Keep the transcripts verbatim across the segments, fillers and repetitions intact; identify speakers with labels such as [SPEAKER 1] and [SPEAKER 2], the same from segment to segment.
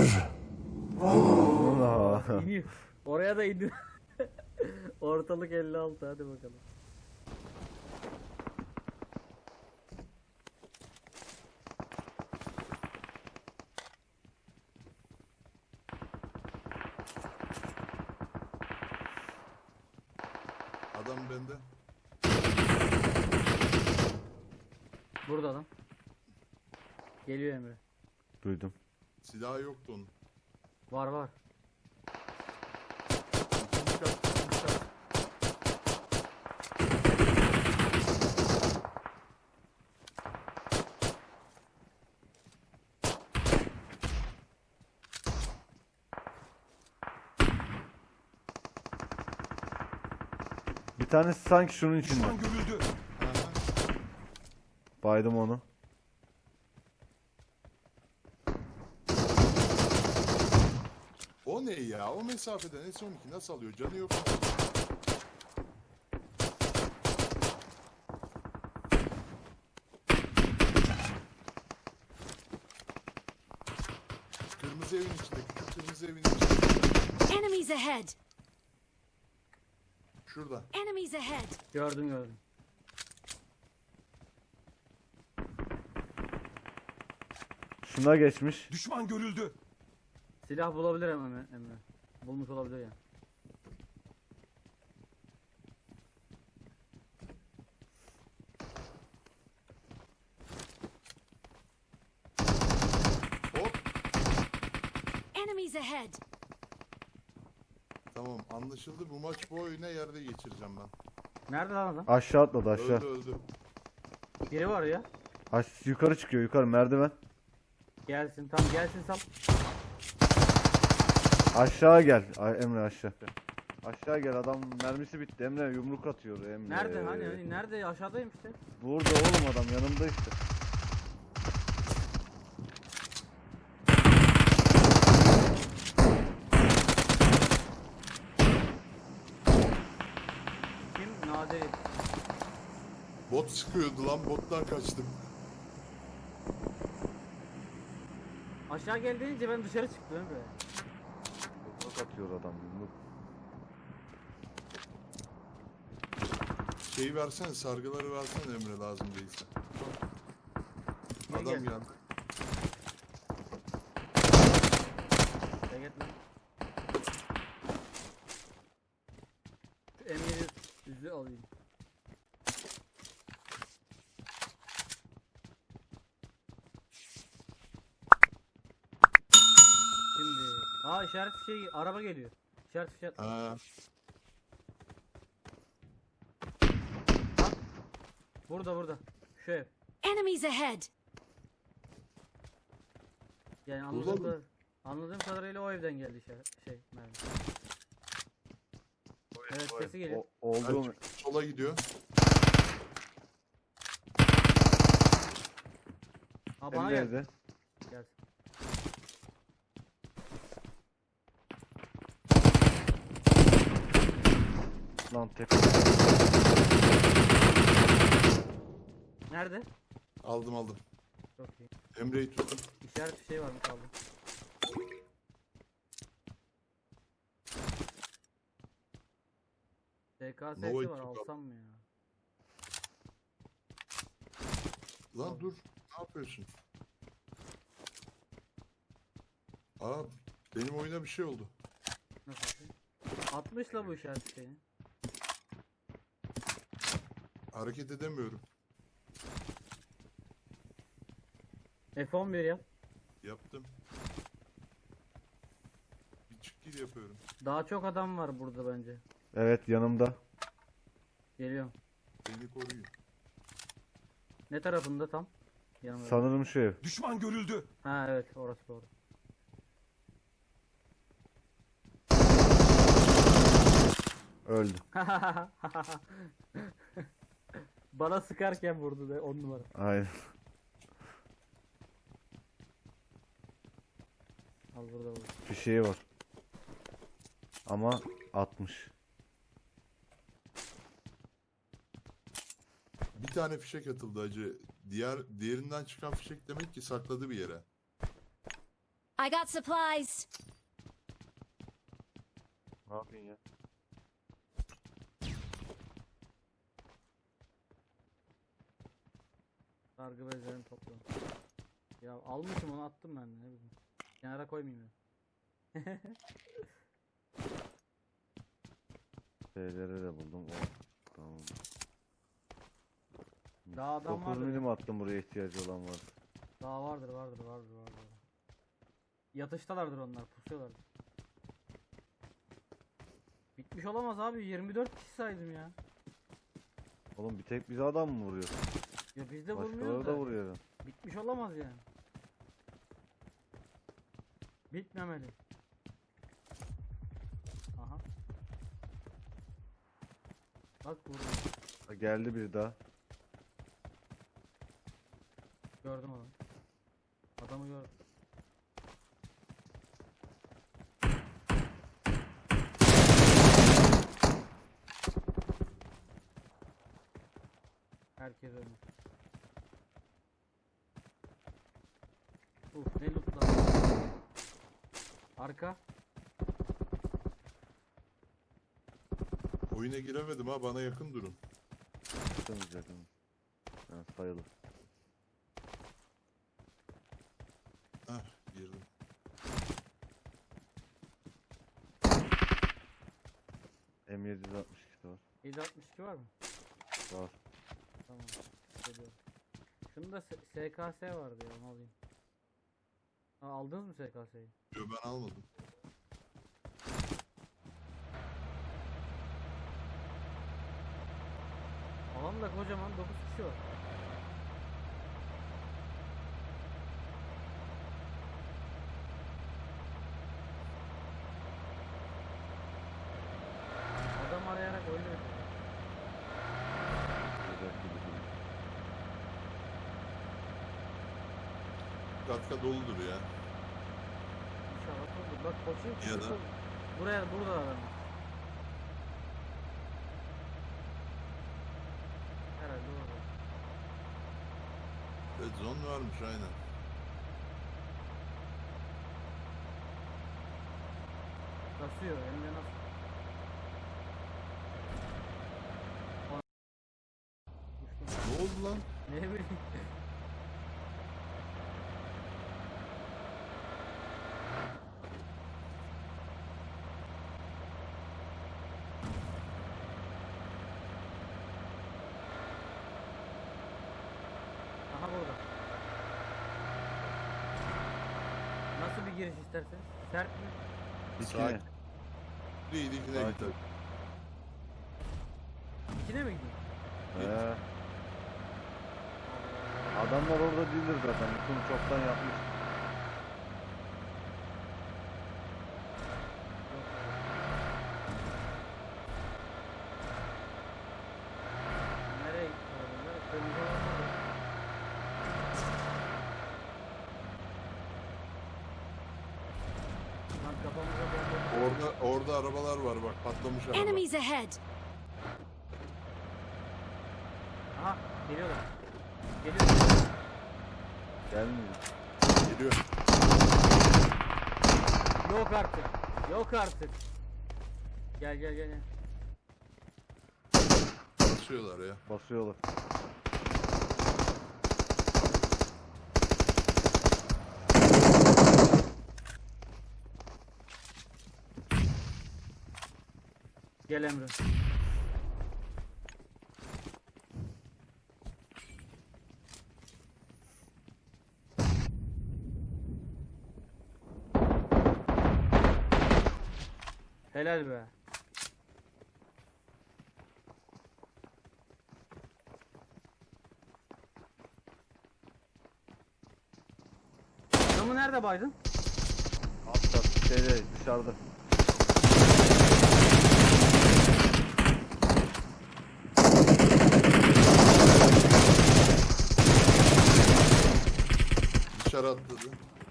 [SPEAKER 1] Allah.
[SPEAKER 2] İniyor. Oraya da indi. Ortalık elli altı, hadi bakalım.
[SPEAKER 3] Adam bende.
[SPEAKER 2] Burada adam. Geliyor Emre.
[SPEAKER 1] Duydum.
[SPEAKER 3] Silahı yoktu onun.
[SPEAKER 2] Var var.
[SPEAKER 3] İkinci kat, ikinci kat.
[SPEAKER 1] Bir tanesi sanki şunun içinde.
[SPEAKER 4] Düşman görüldü.
[SPEAKER 3] Aha.
[SPEAKER 1] Baydım onu.
[SPEAKER 3] O ne ya? O mesafeden S on iki nasıl alıyor? Canı yok. Kırmızı evin içinde. Küçük kırmızı evin içinde.
[SPEAKER 5] Enemies ahead!
[SPEAKER 3] Şurada.
[SPEAKER 5] Enemies ahead!
[SPEAKER 2] Gördüm gördüm.
[SPEAKER 1] Şuna geçmiş.
[SPEAKER 4] Düşman görüldü.
[SPEAKER 2] Silah bulabilir Emre. Emre. Bulmuş olabilir ya.
[SPEAKER 3] Hop.
[SPEAKER 5] Enemies ahead!
[SPEAKER 3] Tamam anlaşıldı. Bu maç bu oyuna yerde geçireceğim ben.
[SPEAKER 2] Nerede lan adam?
[SPEAKER 1] Aşağı atladı aşağı.
[SPEAKER 3] Öldü öldü.
[SPEAKER 2] Biri var ya.
[SPEAKER 1] Aş yukarı çıkıyor yukarı merdiven.
[SPEAKER 2] Gelsin, tam gelsin sal.
[SPEAKER 1] Aşağı gel. Ay, Emre aşağı. Aşağı gel, adam mermisi bitti. Emre yumruk atıyor Emre.
[SPEAKER 2] Nerede hani, hani nerede? Aşağıdayım işte.
[SPEAKER 1] Burada oğlum, adam yanımda işte.
[SPEAKER 2] Kim? Nadir.
[SPEAKER 3] Bot sıkıyordu lan. Bottan kaçtım.
[SPEAKER 2] Aşağı gel deyince ben dışarı çıktım Emre.
[SPEAKER 1] Yumruk atıyor adam yumruk.
[SPEAKER 3] Şeyi versene, sargıları versene Emre, lazım değilse.
[SPEAKER 2] Ne
[SPEAKER 3] Adam
[SPEAKER 2] gel?
[SPEAKER 3] geldi.
[SPEAKER 2] Gel git lan. Emre'yi yüzü alayım. Şimdi. Aa, işaret şey, araba geliyor. İşaret işaret.
[SPEAKER 3] Ha,
[SPEAKER 2] Burada burada. Şu ev.
[SPEAKER 5] Enemies ahead!
[SPEAKER 2] Yani
[SPEAKER 3] Burada
[SPEAKER 2] anladığım,
[SPEAKER 3] mı?
[SPEAKER 2] kadar, anladığım kadarıyla o evden geldi işaret şey mermi. Evet, sesi geliyor.
[SPEAKER 1] O, oldu mu?
[SPEAKER 3] sola gidiyor.
[SPEAKER 2] Ha, bana
[SPEAKER 1] Emre
[SPEAKER 2] geldi.
[SPEAKER 1] evde.
[SPEAKER 2] Gelsin.
[SPEAKER 1] Lan tek.
[SPEAKER 2] Nerede?
[SPEAKER 3] Aldım aldım.
[SPEAKER 2] Çok iyi.
[SPEAKER 3] Emre'yi tuttum.
[SPEAKER 2] İşaret bir şey var mı kaldı? T K S'si
[SPEAKER 3] Nova'yı
[SPEAKER 2] var,
[SPEAKER 3] tut al.
[SPEAKER 2] alsam mı ya?
[SPEAKER 3] Lan dur. Ne yapıyorsun? Aa, benim oyuna bir şey oldu.
[SPEAKER 2] Nasıl şey? altmışla bu işaret şeyini.
[SPEAKER 3] Hareket edemiyorum.
[SPEAKER 2] F on bir yap.
[SPEAKER 3] Yaptım. Bir çık gir yapıyorum.
[SPEAKER 2] Daha çok adam var burada bence.
[SPEAKER 1] Evet yanımda.
[SPEAKER 2] Geliyorum.
[SPEAKER 3] Beni koruyun.
[SPEAKER 2] Ne tarafında tam? Yanımda.
[SPEAKER 1] Sanırım şu ev.
[SPEAKER 4] Düşman görüldü.
[SPEAKER 2] Ha evet, orası doğru.
[SPEAKER 1] Öldü.
[SPEAKER 2] Bana sıkarken vurdu da on numara.
[SPEAKER 1] Aynen.
[SPEAKER 2] Al burada vurdu.
[SPEAKER 1] Bir şey var. Ama atmış.
[SPEAKER 3] Bir tane fişek atıldı acı. Diğer diğerinden çıkan fişek demek ki sakladı bir yere.
[SPEAKER 5] I got supplies.
[SPEAKER 1] Ne yapayım ya?
[SPEAKER 2] Sargı bezlerini topla. Ya almışım onu attım ben de, ne bileyim. Kenara koymayayım ya.
[SPEAKER 1] Şeyleri de buldum. O. Tamam.
[SPEAKER 2] Daha adam
[SPEAKER 1] dokuz
[SPEAKER 2] vardır.
[SPEAKER 1] milim attım buraya ihtiyacı olan var.
[SPEAKER 2] Daha vardır vardır vardır vardır. Yatıştalardır onlar, pusuyorlardır. Bitmiş olamaz abi, yirmi dört kişi saydım ya.
[SPEAKER 1] Oğlum bir tek bize adam mı vuruyor?
[SPEAKER 2] Ya biz de
[SPEAKER 1] Başkaları
[SPEAKER 2] vurmuyoruz
[SPEAKER 1] da
[SPEAKER 2] da.
[SPEAKER 1] vuruyor.
[SPEAKER 2] Bitmiş olamaz yani. Bitmemeli. Aha. Bak vurdu.
[SPEAKER 1] Ha, geldi bir daha.
[SPEAKER 2] Gördüm onu. Adamı gördüm. Herkes ölmüş. Uf ne loot lan. Arka.
[SPEAKER 3] Oyuna giremedim ha, bana yakın durun.
[SPEAKER 1] Yakınız yakınız. Yani sayılır.
[SPEAKER 3] Hah, girdim.
[SPEAKER 1] M yedi altmış iki var.
[SPEAKER 2] yedi altmış iki var mı?
[SPEAKER 1] Var.
[SPEAKER 2] Tamam. Geliyorum. Şunda S- SKS vardı ya, onu alayım. Ha, aldınız mı S K S'yi?
[SPEAKER 3] Yo, ben almadım.
[SPEAKER 2] Alan da kocaman, dokuz kişi var. Adam arayarak oynuyor.
[SPEAKER 1] Güzel gibi duruyor.
[SPEAKER 3] Katka doludur ya.
[SPEAKER 2] İnşallah olur. Bak koçum
[SPEAKER 3] Ya da-
[SPEAKER 2] buraya, burada adam. Herhalde orada.
[SPEAKER 3] Red zone varmış aynen.
[SPEAKER 2] Kasıyor hem de nasıl? Uçtum.
[SPEAKER 3] Ne oldu lan?
[SPEAKER 2] Ne bileyim. Aha burada. Nasıl bir giriş istersen? Sert mi?
[SPEAKER 1] İçine.
[SPEAKER 3] Sakin. Değil, ikine
[SPEAKER 1] Sakin.
[SPEAKER 3] gidelim.
[SPEAKER 2] İçine mi gideyim?
[SPEAKER 1] He. Adamlar orada değildir zaten. Bütün çoktan yapmış.
[SPEAKER 2] Nereye gitti adamlar? Kırmızı olanlar. Lan kafamıza bomba.
[SPEAKER 3] Orada orada arabalar var bak, patlamış araba.
[SPEAKER 5] Enemies ahead.
[SPEAKER 2] Aha geliyorlar. Geliyorlar.
[SPEAKER 1] Gelmiyor.
[SPEAKER 3] Geliyor.
[SPEAKER 2] Yok artık. Yok artık. Gel gel gel. gel.
[SPEAKER 3] Basıyorlar ya.
[SPEAKER 1] Basıyorlar.
[SPEAKER 2] Gel Emre. Helal be. Adamı nerede baydın?
[SPEAKER 1] Altta şeyde dışarıda.
[SPEAKER 3] Dışarı atladı.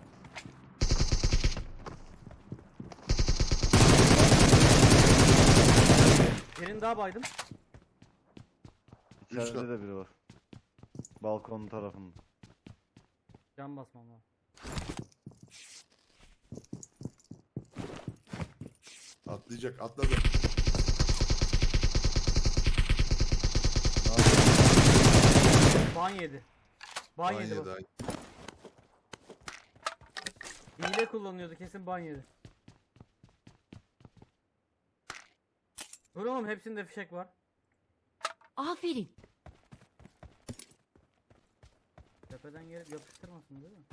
[SPEAKER 2] Birini daha baydım.
[SPEAKER 1] İçeride
[SPEAKER 3] kat.
[SPEAKER 1] de biri var. Balkonun tarafında.
[SPEAKER 2] Can basmam lazım.
[SPEAKER 3] Atlayacak, atladı.
[SPEAKER 2] Ban yedi. Ban
[SPEAKER 3] Ban
[SPEAKER 2] yedi
[SPEAKER 3] yedi,
[SPEAKER 2] bak.
[SPEAKER 3] ay.
[SPEAKER 2] Hile kullanıyordu kesin ban yedi. Dur oğlum hepsinde fişek var.
[SPEAKER 5] Aferin.
[SPEAKER 2] Tepeden gelip yapıştırmasın değil mi?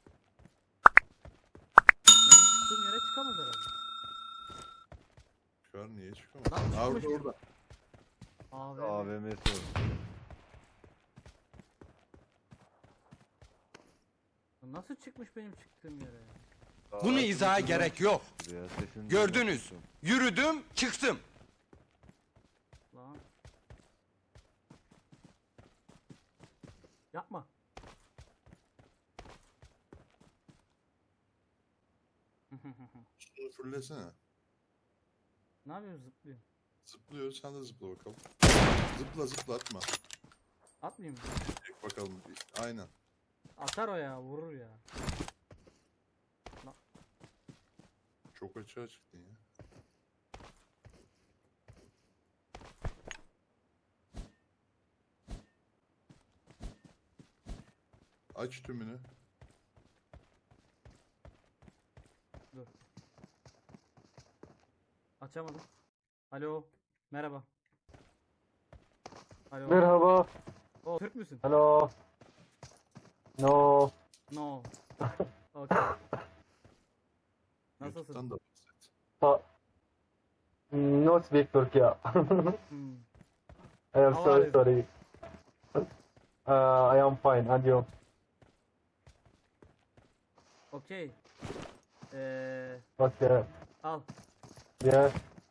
[SPEAKER 2] Benim çıktığım yere çıkamaz herhalde.
[SPEAKER 3] Çıkar, niye çıkamaz?
[SPEAKER 2] Lan
[SPEAKER 3] Aa,
[SPEAKER 2] çıkmış.
[SPEAKER 3] orada orada.
[SPEAKER 2] Abi.
[SPEAKER 1] A V M'si var.
[SPEAKER 2] Nasıl çıkmış benim çıktığım yere?
[SPEAKER 1] Daha
[SPEAKER 4] Bunu
[SPEAKER 1] açılmış
[SPEAKER 4] izaha
[SPEAKER 1] buradan
[SPEAKER 4] gerek yok.
[SPEAKER 1] çıktı ya, sesini
[SPEAKER 4] Gördünüz.
[SPEAKER 1] duymak
[SPEAKER 4] Yürüdüm, çıktım.
[SPEAKER 2] Lan. Yapma.
[SPEAKER 3] Şunu fırlasana.
[SPEAKER 2] Ne yapıyorsun zıplıyor?
[SPEAKER 3] Zıplıyor, sen de zıpla bakalım. Zıpla zıpla, atma.
[SPEAKER 2] Atmayayım mı?
[SPEAKER 3] Çek bakalım. Aynen.
[SPEAKER 2] Atar o ya vurur ya.
[SPEAKER 3] Çok açığa çıktın ya. Aç tümünü.
[SPEAKER 2] Dur. Açamadım. Alo. Merhaba. Alo.
[SPEAKER 6] Merhaba.
[SPEAKER 2] O Türk müsün?
[SPEAKER 6] Hello. No.
[SPEAKER 2] No. Okay. Nasılsın?
[SPEAKER 3] YouTube'dan da bahset.
[SPEAKER 6] Pa- no speak Turkey.
[SPEAKER 2] Hmm.
[SPEAKER 6] I am
[SPEAKER 2] How are
[SPEAKER 6] sorry,
[SPEAKER 2] you?
[SPEAKER 6] sorry. Uh, I am fine. And you?
[SPEAKER 2] Okay. Ee,
[SPEAKER 6] Okay.
[SPEAKER 2] al.
[SPEAKER 6] Yes.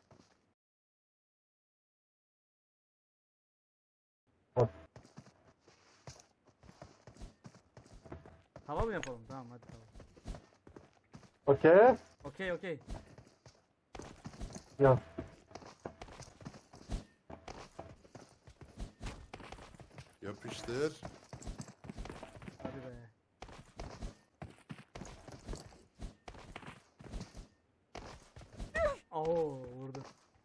[SPEAKER 2] Hava mı yapalım? Tamam hadi tamam.
[SPEAKER 6] Okay.
[SPEAKER 2] Okey okey.
[SPEAKER 6] Yes.
[SPEAKER 3] Yapıştır.
[SPEAKER 2] Hadi be. Oo vurdu.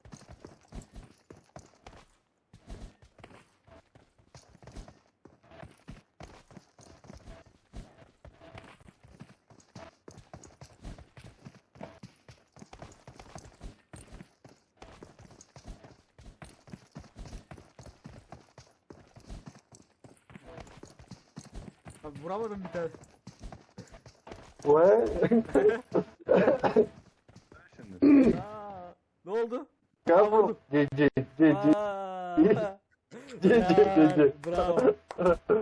[SPEAKER 2] Abi vuramadım bir tane.
[SPEAKER 6] Where?
[SPEAKER 1] Şimdi.
[SPEAKER 2] Aa, ne oldu?
[SPEAKER 6] Careful. G G. G G.
[SPEAKER 2] Aa,
[SPEAKER 6] G G. G G.
[SPEAKER 2] bravo.